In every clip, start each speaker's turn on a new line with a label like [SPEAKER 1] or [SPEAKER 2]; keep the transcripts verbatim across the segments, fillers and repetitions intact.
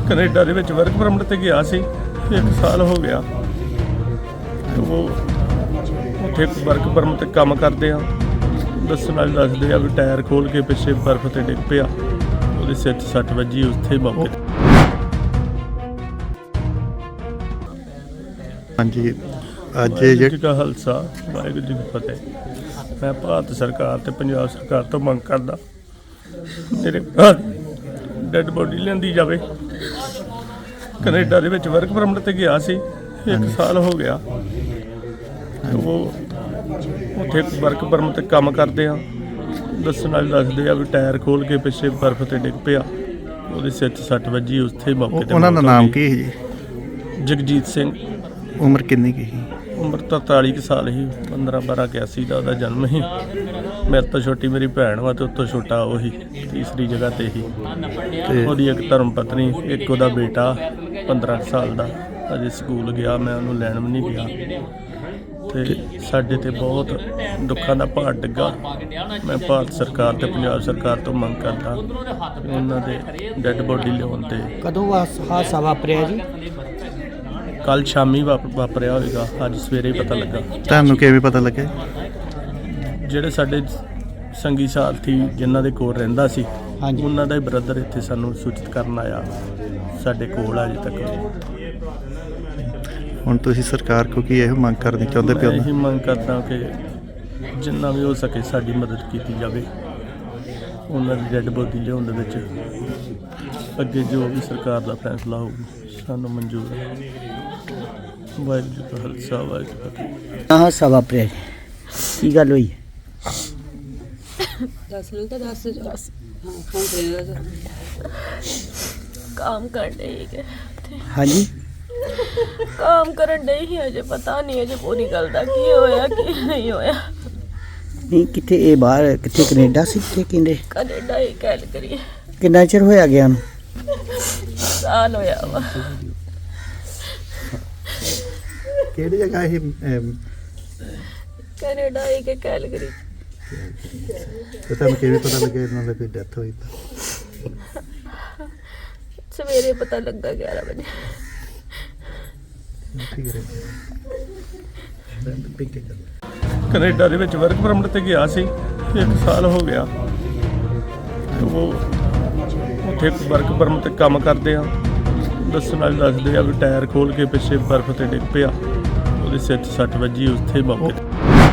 [SPEAKER 1] Canada ਦੇ ਵਿੱਚ work permit ਤੇ ਗਿਆ ਸੀ, ਇੱਕ ਸਾਲ ਹੋ ਗਿਆ। ਉਹ ਉੱਥੇ ਵਰਕ ਪਰਮਿਟ ਤੇ ਕੰਮ ਕਰਦੇ ਆ, ਦੱਸਣ ਵਾਲੇ ਦੱਸਦੇ ਆ ਵੀ ਟਾਇਰ ਖੋਲ ਕੇ ਪਿੱਛੇ ਬਰਫ਼ ਤੇ ਡਿੱਗ ਪਿਆ, ਉਹਦੇ ਸਿਰ 'ਚ ਸੱਟ ਵੱਜੀ ਉੱਥੇ ਹੀ ਮੌਕੇ ਤੇ।
[SPEAKER 2] ਹਾਂਜੀ, ਅੱਜ
[SPEAKER 1] ਵਾਹਿਗੁਰੂ ਜੀ ਕਾ ਖਾਲਸਾ ਵਾਹਿਗੁਰੂ ਜੀ ਕੀ ਫਤਿਹ। ਮੈਂ ਭਾਰਤ ਸਰਕਾਰ ਤੇ ਪੰਜਾਬ ਸਰਕਾਰ ਤੋਂ ਮੰਗ ਕਰਦਾ, ਮੇਰੇ ਡੈਡ ਬੋਡੀ ਲਿਆਂਦੀ ਜਾਵੇ। ਕੈਨੇਡਾ ਦੇ ਵਿੱਚ ਵਰਕ ਪਰਮਿਟ ਤੇ ਗਿਆ ਸੀ, ਇੱਕ ਸਾਲ ਹੋ ਗਿਆ। ਉਹ ਉੱਥੇ ਵਰਕ ਪਰਮਿਟ ਤੇ ਕੰਮ ਕਰਦੇ ਆ, ਦੱਸਣ ਵਾਲੇ ਦੱਸਦੇ ਆ ਵੀ ਟਾਇਰ ਖੋਲ ਕੇ ਪਿੱਛੇ ਬਰਫ਼ ਤੇ ਡਿੱਗ ਪਿਆ, ਉਹਦੇ ਸਿਰ 'ਚ ਸੱਟ ਵੱਜੀ ਉੱਥੇ ਹੀ ਮੌਕੇ ਤੇ।
[SPEAKER 2] ਉਹਨਾਂ ਦਾ ਨਾਮ ਕੀ ਹੈ ਜੀ?
[SPEAKER 1] ਜਗਜੀਤ ਸਿੰਘ।
[SPEAKER 2] ਉਮਰ ਕਿੰਨੀ ਕੀ ਸੀ?
[SPEAKER 1] ਉਮਰ ਤਰਤਾਲੀ ਕੁ ਸਾਲ ਸੀ। ਪੰਦਰਾਂ ਬਾਰਾਂ ਇਕਿਆਸੀ ਦਾ ਉਹਦਾ ਜਨਮ ਸੀ। ਮੇਰੇ ਤੋਂ ਛੋਟੀ ਮੇਰੀ ਭੈਣ ਵਾ ਤੇ ਉਸ ਤੋਂ ਛੋਟਾ ਉਹੀ ਤੀਸਰੀ ਜਗ੍ਹਾ ਤੇ ਹੀ। ਤੇ ਉਹਦੀ ਇੱਕ ਧਰਮ ਪਤਨੀ, ਇੱਕ ਉਹਦਾ ਬੇਟਾ ਪੰਦਰਾਂ ਕੁ ਸਾਲ ਦਾ, ਅਜੇ ਸਕੂਲ ਗਿਆ। ਮੈਂ ਉਹਨੂੰ ਲੈਣ ਵੀ ਨਹੀਂ ਗਿਆ। ਤੇ ਸਾਡੇ ਤੇ ਬਹੁਤ ਦੁੱਖਾਂ ਦਾ ਭਾਰ ਡਿੱਗਾ। ਮੈਂ ਭਾਰਤ ਸਰਕਾਰ ਤੇ ਪੰਜਾਬ ਸਰਕਾਰ ਤੋਂ ਮੰਗ ਕਰਦਾ ਕਿ ਉਹਨਾਂ ਦੇ ਡੈੱਡ ਬੋਡੀ ਲਿਆਉਣ ਤੇ।
[SPEAKER 3] ਕਦੋਂ ਹਾਦਸਾ ਵਾਪਰਿਆ ਜੀ?
[SPEAKER 1] ਕੱਲ ਸ਼ਾਮੀ ਵਾਪ- ਵਾਪਰਿਆ ਹੋਵੇਗਾ, ਅੱਜ ਸਵੇਰੇ ਹੀ ਪਤਾ ਲੱਗਾ।
[SPEAKER 2] ਤੁਹਾਨੂੰ ਕਿਵੇਂ ਪਤਾ ਲੱਗਿਆ?
[SPEAKER 1] ਜਿਹੜੇ ਸਾਡੇ ਸੰਗੀ ਸਾਥੀ ਜਿਨ੍ਹਾਂ ਦੇ ਕੋਲ ਰਹਿੰਦਾ ਸੀ,
[SPEAKER 3] ਹਾਂਜੀ,
[SPEAKER 1] ਉਹਨਾਂ ਦਾ ਹੀ ਬ੍ਰਦਰ ਇੱਥੇ ਸਾਨੂੰ ਸੂਚਿਤ ਕਰਨ ਆਇਆ। ਸਾਡੇ ਕੋਲ ਅਜੇ ਤੱਕ।
[SPEAKER 2] ਹੁਣ ਤੁਸੀਂ ਸਰਕਾਰ ਕੋ ਕੀ ਇਹੋ ਮੰਗ ਕਰਨੀ ਚਾਹੁੰਦੇ
[SPEAKER 1] ਮੈਂ
[SPEAKER 2] ਪਿਓ?
[SPEAKER 1] ਇਹੀ ਮੰਗ ਕਰਦਾ ਕਿ ਜਿੰਨਾ ਵੀ ਹੋ ਸਕੇ ਸਾਡੀ ਮਦਦ ਕੀਤੀ ਜਾਵੇ। ਉਹਨਾਂ ਦੀ ਡੈੱਡ ਬੋਡੀ ਲਿਆਉਣ ਦੇ ਵਿੱਚ ਅੱਗੇ ਜੋ ਵੀ ਸਰਕਾਰ ਦਾ ਫੈਸਲਾ ਹੋਊ ਸਾਨੂੰ ਮਨਜ਼ੂਰ ਹੈ। ਵਾਹਿਗੁਰੂ ਜੀ ਕਾ ਖਾਲਸਾ ਵਾਹਿਗੁਰੂ ਜੀ ਕੀ ਫਤਿਹ।
[SPEAKER 3] ਹਾਦਸਾ ਵਾਪਰਿਆ ਜੀ, ਕੀ ਗੱਲ ਹੋਈ?
[SPEAKER 4] दस मिनट तो दस दस हाँ फोन करेगा काम कर रही है
[SPEAKER 3] ਹਾਂਜੀ,
[SPEAKER 4] काम करन डई ही अजे पता नहीं अजे पूरी गल दा की होया की नहीं होया।
[SPEAKER 3] ਨਹੀਂ ਕਿੱਥੇ ਇਹ ਬਾਹਰ ਕਿੱਥੇ ਕੈਨੇਡਾ ਸੀ ਕਿੱਥੇ ਕਹਿੰਦੇ?
[SPEAKER 4] कनेडा ही गल करिए
[SPEAKER 3] ਕਿੰਨਾ ਚਿਰ ਹੋਇਆ ਗਿਆ ਨੂੰ?
[SPEAKER 4] साल होया वा।
[SPEAKER 2] ਕਿਹੜੀ ਜਗ੍ਹਾ ਇਹ?
[SPEAKER 4] कनेडा ही के गल करी
[SPEAKER 2] ਤੇ ਤੁਹਾਨੂੰ ਕਿਵੇਂ ਪਤਾ ਲੱਗਿਆ ਇਹਨਾਂ ਦੀ ਕੋਈ ਡੈਥ ਹੋਈ ਤਾਂ?
[SPEAKER 4] सवेरे पता लगा ग्यारह बजे।
[SPEAKER 2] ਠੀਕ ਹੈ।
[SPEAKER 1] ਕੈਨੇਡਾ ਦੇ ਵਿੱਚ ਵਰਕ ਪਰਮਿਟ ਤੇ ਗਿਆ ਸੀ, ਇੱਕ ਸਾਲ ਹੋ ਗਿਆ। ਉਹ ਉੱਥੇ ਵਰਕ ਪਰਮਿਟ ਤੇ ਕੰਮ ਕਰਦੇ ਆ, ਦੱਸਣ ਵਾਲੇ ਦੱਸਦੇ ਆ ਵੀ ਟਾਇਰ ਖੋਲ ਕੇ ਪਿੱਛੇ ਬਰਫ਼ ਤੇ ਡਿੱਗ ਪਿਆ, ਉਹਦੇ ਸਿਰ 'ਚ ਸੱਟ ਵੱਜੀ ਉੱਥੇ ਹੀ ਮੌਕੇ ਤੇ।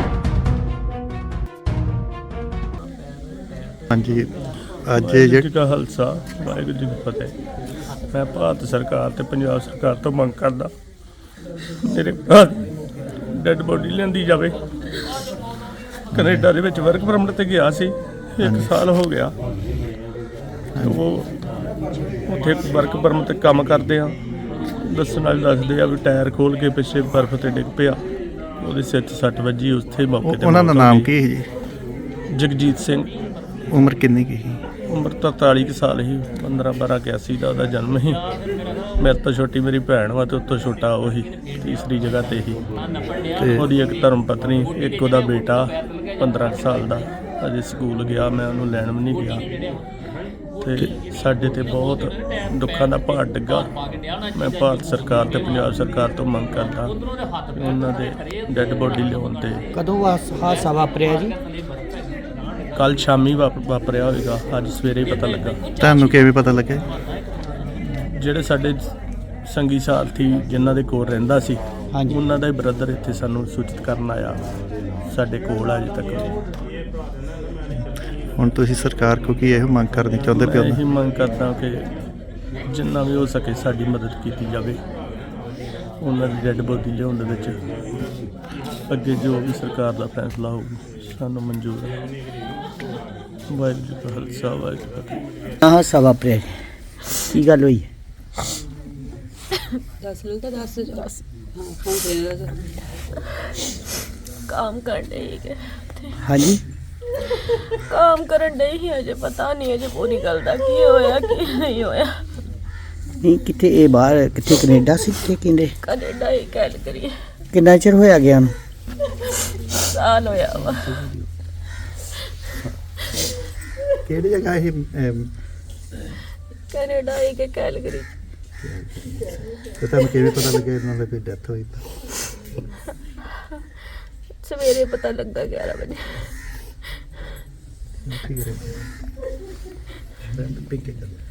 [SPEAKER 2] ਹਾਂਜੀ, ਅੱਜ
[SPEAKER 1] ਵਾਹਿਗੁਰੂ ਜੀ ਕਾ ਖਾਲਸਾ ਵਾਹਿਗੁਰੂ ਜੀ ਕੀ ਫਤਿਹ। ਮੈਂ ਭਾਰਤ ਸਰਕਾਰ ਤੇ ਪੰਜਾਬ ਸਰਕਾਰ ਤੋਂ ਮੰਗ ਕਰਦਾ, ਮੇਰੇ ਡੈੱਡ ਬੋਡੀ ਲਿਆਂਦੀ ਜਾਵੇ। ਕੈਨੇਡਾ ਦੇ ਵਿੱਚ ਵਰਕ ਪਰਮਿਟ ਤੇ ਗਿਆ ਸੀ, ਇੱਕ ਸਾਲ ਹੋ ਗਿਆ। ਉਹ ਉੱਥੇ ਵਰਕ ਪਰਮਿਟ ਤੇ ਕੰਮ ਕਰਦੇ ਆ, ਦੱਸਣ ਵਾਲੇ ਦੱਸਦੇ ਆ ਵੀ ਟਾਇਰ ਖੋਲ ਕੇ ਪਿੱਛੇ ਬਰਫ਼ ਤੇ ਡਿੱਗ ਪਿਆ, ਉਹਦੇ ਸਿਰ 'ਚ ਸੱਟ ਵੱਜੀ ਉੱਥੇ ਹੀ ਮੌਕੇ ਤੇ।
[SPEAKER 2] ਉਹਨਾਂ ਦਾ ਨਾਮ ਕੀ ਹੈ ਜੀ?
[SPEAKER 1] ਜਗਜੀਤ ਸਿੰਘ।
[SPEAKER 2] ਉਮਰ ਕਿੰਨੀ ਕੀ ਸੀ?
[SPEAKER 1] ਉਮਰ ਤਰਤਾਲੀ ਕੁ ਸਾਲ ਸੀ। ਪੰਦਰਾਂ ਬਾਰਾਂ ਇਕਿਆਸੀ ਦਾ ਉਹਦਾ ਜਨਮ ਸੀ। ਮੇਰੇ ਤੋਂ ਛੋਟੀ ਮੇਰੀ ਭੈਣ ਵਾ ਤੇ ਉਸ ਤੋਂ ਛੋਟਾ ਉਹੀ ਤੀਸਰੀ ਜਗ੍ਹਾ ਤੇ ਹੀ।
[SPEAKER 2] ਤੇ
[SPEAKER 1] ਉਹਦੀ ਇੱਕ ਧਰਮ ਪਤਨੀ, ਇੱਕ ਉਹਦਾ ਬੇਟਾ ਪੰਦਰਾਂ ਕੁ ਸਾਲ ਦਾ, ਅਜੇ ਸਕੂਲ ਗਿਆ। ਮੈਂ ਉਹਨੂੰ ਲੈਣ ਵੀ ਨਹੀਂ ਗਿਆ। ਤੇ ਸਾਡੇ ਤੇ ਬਹੁਤ ਦੁੱਖਾਂ ਦਾ ਭਾਰ ਡਿੱਗਾ। ਮੈਂ ਭਾਰਤ ਸਰਕਾਰ ਤੇ ਪੰਜਾਬ ਸਰਕਾਰ ਤੋਂ ਮੰਗ ਕਰਦਾ ਕਿ ਉਹਨਾਂ ਦੇ ਡੈੱਡ ਬੋਡੀ ਲਿਆਉਣ ਤੇ।
[SPEAKER 3] ਕਦੋਂ ਹਾਦਸਾ ਵਾਪਰਿਆ ਜੀ?
[SPEAKER 1] ਕੱਲ ਸ਼ਾਮੀ ਵਾਪ- ਵਾਪਰਿਆ ਹੋਵੇਗਾ, ਅੱਜ ਸਵੇਰੇ ਹੀ ਪਤਾ ਲੱਗਾ।
[SPEAKER 2] ਤੁਹਾਨੂੰ ਕਿਵੇਂ ਪਤਾ ਲੱਗਿਆ?
[SPEAKER 1] ਜਿਹੜੇ ਸਾਡੇ ਸੰਗੀ ਸਾਥੀ ਜਿਨ੍ਹਾਂ ਦੇ ਕੋਲ ਰਹਿੰਦਾ ਸੀ,
[SPEAKER 3] ਹਾਂਜੀ,
[SPEAKER 1] ਉਹਨਾਂ ਦਾ ਹੀ ਬ੍ਰਦਰ ਇੱਥੇ ਸਾਨੂੰ ਸੂਚਿਤ ਕਰਨ ਆਇਆ। ਸਾਡੇ ਕੋਲ ਅਜੇ ਤੱਕ।
[SPEAKER 2] ਹੁਣ ਤੁਸੀਂ ਸਰਕਾਰ ਕੋ ਕੀ ਇਹੋ ਮੰਗ ਕਰਨੀ ਚਾਹੁੰਦੇ
[SPEAKER 1] ਮੈਂ
[SPEAKER 2] ਪਿਓ?
[SPEAKER 1] ਇਹੀ ਮੰਗ ਕਰਦਾ ਕਿ ਜਿੰਨਾ ਵੀ ਹੋ ਸਕੇ ਸਾਡੀ ਮਦਦ ਕੀਤੀ ਜਾਵੇ। ਉਹਨਾਂ ਦੀ ਡੈੱਡ ਬੋਡੀ ਲਿਆਉਣ ਦੇ ਵਿੱਚ ਅੱਗੇ ਜੋ ਵੀ ਸਰਕਾਰ ਦਾ ਫੈਸਲਾ ਹੋਊ ਸਾਨੂੰ ਮਨਜ਼ੂਰ ਹੈ। ਵਾਹਿਗੁਰੂ ਜੀ ਕਾ ਖਾਲਸਾ ਵਾਹਿਗੁਰੂ ਜੀ ਕੀ ਫਤਿਹ।
[SPEAKER 3] ਹਾਦਸਾ ਵਾਪਰਿਆ ਜੀ, ਕੀ ਗੱਲ ਹੋਈ?
[SPEAKER 4] दस मिनट तो दस दस हाँ फोन करेगा काम कर रही है
[SPEAKER 3] ਹਾਂਜੀ,
[SPEAKER 4] काम करन डई ही अजे पता नहीं अजे पूरी गल दा की होया की नहीं होया।
[SPEAKER 3] ਨਹੀਂ ਕਿੱਥੇ ਇਹ ਬਾਹਰ ਕਿੱਥੇ ਕੈਨੇਡਾ ਸੀ ਕਿੱਥੇ ਕਹਿੰਦੇ?
[SPEAKER 4] कनेडा ही गल करिए
[SPEAKER 3] ਕਿੰਨਾ ਚਿਰ ਹੋਇਆ ਗਿਆ ਨੂੰ?
[SPEAKER 4] साल होया वा।
[SPEAKER 2] ਕਿਹੜੀ ਜਗ੍ਹਾ ਇਹ?
[SPEAKER 4] कनेडा ही के गल करी
[SPEAKER 2] ਤੇ ਤੁਹਾਨੂੰ ਕਿਵੇਂ ਪਤਾ ਲੱਗਿਆ ਇਹਨਾਂ ਦੀ ਡੈਥ ਹੋਈ ਤਾਂ?
[SPEAKER 4] ਸਵੇਰੇ ਪਤਾ ਲੱਗਾ ਗਿਆਰਾਂ ਵਜੇ।
[SPEAKER 2] ਠੀਕ ਹੈ।